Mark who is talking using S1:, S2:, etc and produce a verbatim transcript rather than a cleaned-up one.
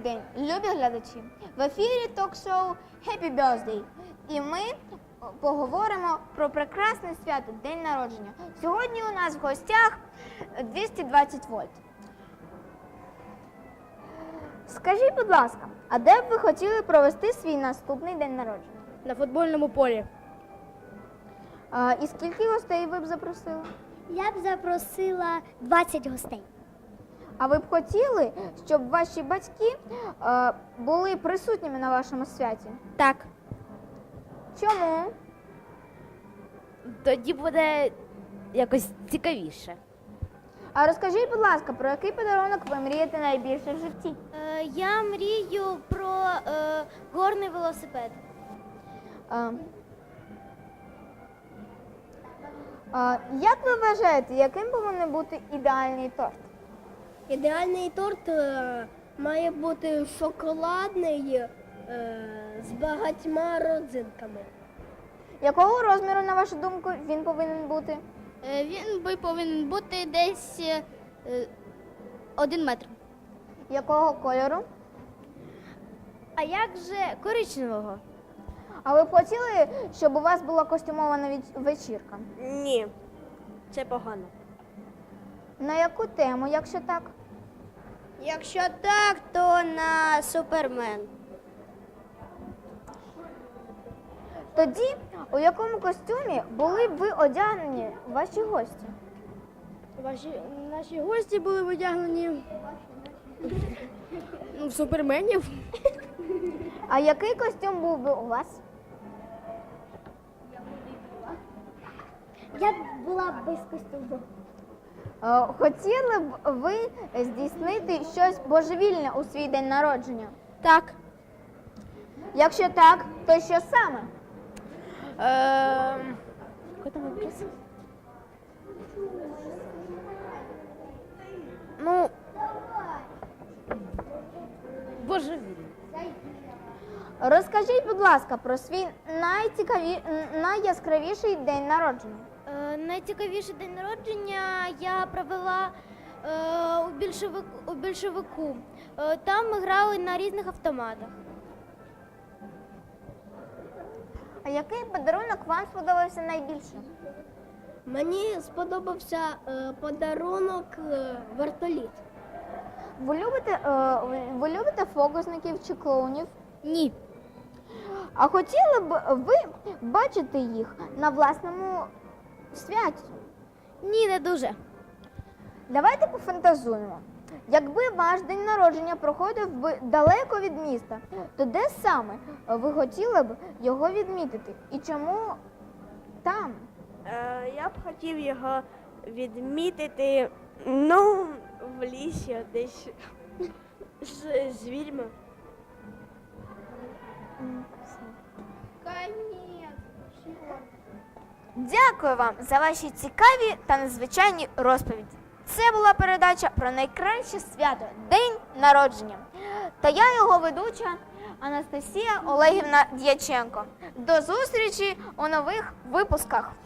S1: день, любі глядачі! В ефірі ток-шоу Happy Birthday. І ми поговоримо про прекрасне свято – День народження. Сьогодні у нас в гостях двісті двадцять вольт. Скажіть, будь ласка, а де б ви хотіли провести свій наступний день народження?
S2: На футбольному полі.
S1: А, і скільки гостей ви б запросили?
S3: Я б запросила двадцять гостей.
S1: А ви б хотіли, щоб ваші батьки е, були присутніми на вашому святі?
S2: Так.
S1: Чому?
S2: Тоді буде якось цікавіше.
S1: А розкажіть, будь ласка, про який подарунок ви мрієте найбільше в житті?
S3: Е, я мрію про е, горний велосипед.
S1: Е, е, як ви вважаєте, яким повинен бути ідеальний торт?
S4: Ідеальний торт е, має бути шоколадний е, з багатьма родзинками.
S1: Якого розміру, на вашу думку, він повинен бути?
S3: Він би повинен бути десь е, один метр.
S1: Якого кольору?
S2: А як же коричневого?
S1: А ви б хотіли, щоб у вас була костюмована веч- вечірка?
S4: Ні, це погано.
S1: На яку тему, якщо так?
S4: Якщо так, то на Супермен.
S1: Тоді, у якому костюмі були б ви одягнені ваші гості?
S2: Ваші, наші гості були одягнені ну, в суперменів.
S1: А який костюм був би у вас?
S3: Я б була без костюму.
S1: Е, Хотіли б ви здійснити щось божевільне у свій день народження?
S2: Так.
S1: Якщо так, то що саме?
S2: Е, Який там вопрос? Ну, божевільно.
S1: Розкажіть, будь ласка, про свій найцікаві... найяскравіший день народження.
S3: Е, найцікавіший день народження я провела е, у, більшовику, у більшовику. Е, там ми грали на різних автоматах.
S1: А який подарунок вам сподобався найбільше?
S4: Мені сподобався е, подарунок е, вертоліт.
S1: Ви любите, е, ви- ви любите фокусників чи клоунів?
S2: Ні.
S1: А хотіли б ви бачити їх на власному святі?
S2: Ні, не дуже.
S1: Давайте пофантазуємо. Якби ваш день народження проходив би далеко від міста, то де саме ви хотіли б його відмітити? І чому там?
S5: Е, Я б хотів його відмітити, ну, в лісі десь з звірями.
S1: Дякую вам за ваші цікаві та незвичайні розповіді. Це була передача про найкраще свято – День народження. Та я його ведуча Анастасія Олегівна Дяченко. До зустрічі у нових випусках.